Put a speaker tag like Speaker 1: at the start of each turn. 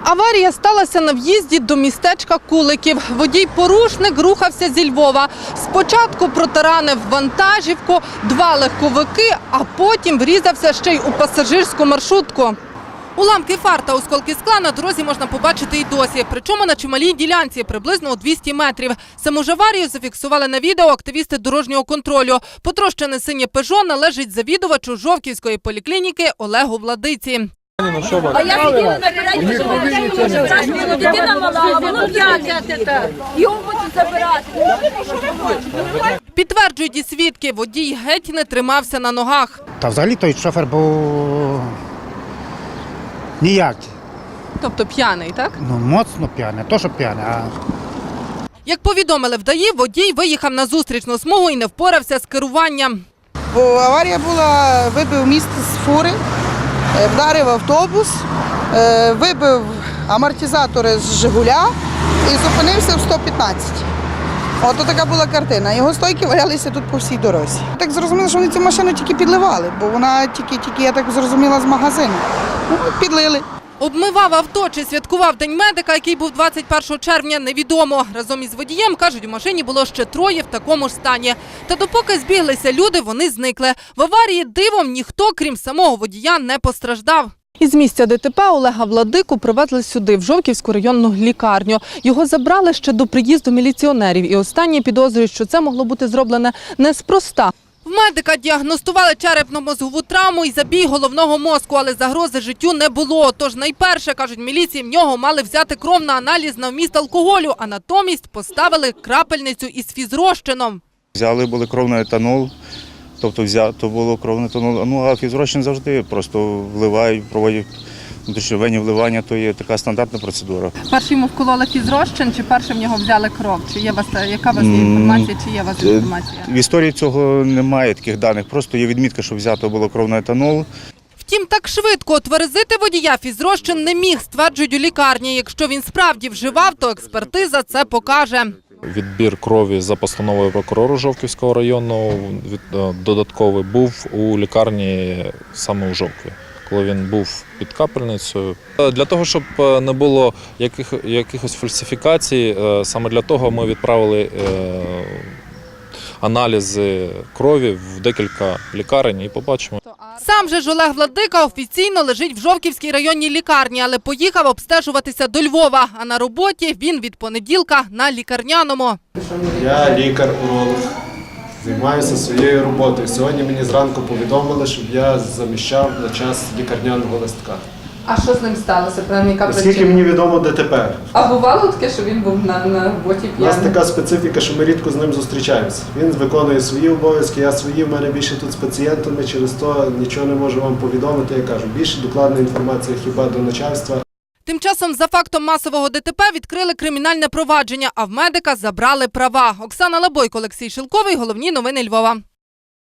Speaker 1: Аварія сталася на в'їзді до містечка Куликів. Водій-порушник рухався зі Львова. Спочатку протаранив вантажівку, 2 легковики, а потім врізався ще й у пасажирську маршрутку. Уламки фар та осколки скла на дорозі можна побачити і досі. Причому на чималій ділянці, приблизно у 200 метрів. Саму ж аварію зафіксували на відео активісти дорожнього контролю. Потрощене синє «Пежо» належить завідувачу Жовківської поліклініки Олегу Владиці.
Speaker 2: А я хотіла наперед, що дитина мала, а воно п'яне. Його хочуть забирати.
Speaker 1: Підтверджують і свідки, водій геть не тримався на ногах.
Speaker 3: Та взагалі той шофер був ніякий.
Speaker 1: Тобто п'яний, так?
Speaker 3: Ну, моцно п'яний, то що п'яний, а...
Speaker 1: Як повідомили в ДАІ, водій виїхав на зустрічну смугу і не впорався з керуванням.
Speaker 4: Бо аварія була, вибив міст з фури, вдарив автобус, вибив амортизатори з «Жигуля» і зупинився в 115. Ото така була картина. Його стойки валялися тут по всій дорозі. Так зрозуміло, що вони цю машину тільки підливали, бо вона тільки, я так зрозуміла, з магазину. Ну, підлили.
Speaker 1: Обмивав авто чи святкував День медика, який був 21 червня, невідомо. Разом із водієм, кажуть, у машині було ще 3 в такому ж стані. Та допоки збіглися люди, вони зникли. В аварії дивом ніхто, крім самого водія, не постраждав. Із місця ДТП Олега Владику привезли сюди, в Жовківську районну лікарню. Його забрали ще до приїзду міліціонерів. І останні підозрюють, що це могло бути зроблене неспроста. В медика діагностували черепно-мозгову травму і забій головного мозку, але загрози життю не було. Тож найперше, кажуть міліції, в нього мали взяти кров на аналіз на вміст алкоголю, а натомість поставили крапельницю із фізрозчином.
Speaker 5: Взяли були кров на етанол, тобто взято було кров на етанол. Ну, а фізрозчин завжди просто вливають, проводять внутрішньовенні вливання, то є така стандартна процедура.
Speaker 1: Перший йому вкололи фізрозчин, чи перше в нього взяли кров? Чи є у вас, яка у вас інформація, чи є у вас інформація?
Speaker 5: В історії цього немає таких даних, просто є відмітка, що взято було кров на етанол.
Speaker 1: Втім, так швидко отверезити водія фізрозчин не міг, стверджують у лікарні. Якщо він справді вживав, то експертиза це покаже.
Speaker 6: Відбір крові за постановою прокурора Жовківського районного додатковий був у лікарні саме у Жовкві, коли він був під капельницею. Для того, щоб не було якихось фальсифікацій, саме для того ми відправили аналізи крові в декілька лікарень і побачимо.
Speaker 1: Сам же ж Олег Владика офіційно лежить в Жовківській районній лікарні, але поїхав обстежуватися до Львова. А на роботі він від понеділка на лікарняному.
Speaker 7: Я лікар-уролог, займаюся своєю роботою. Сьогодні мені зранку повідомили, щоб я заміщав на час лікарняного листка.
Speaker 1: А що з ним сталося?
Speaker 7: Наскільки мені відомо, ДТП.
Speaker 1: А бувало таке, що він був на роботі
Speaker 7: У нас така специфіка, що ми рідко з ним зустрічаємося. Він виконує свої обов'язки, я свої. В мене більше тут з пацієнтами, через то нічого не можу вам повідомити. Я кажу, більше докладна інформація хіба до начальства.
Speaker 1: Тим часом за фактом масового ДТП відкрили кримінальне провадження, а в медика забрали права. Оксана Лабойко, Олексій Шилковий. Головні новини Львова.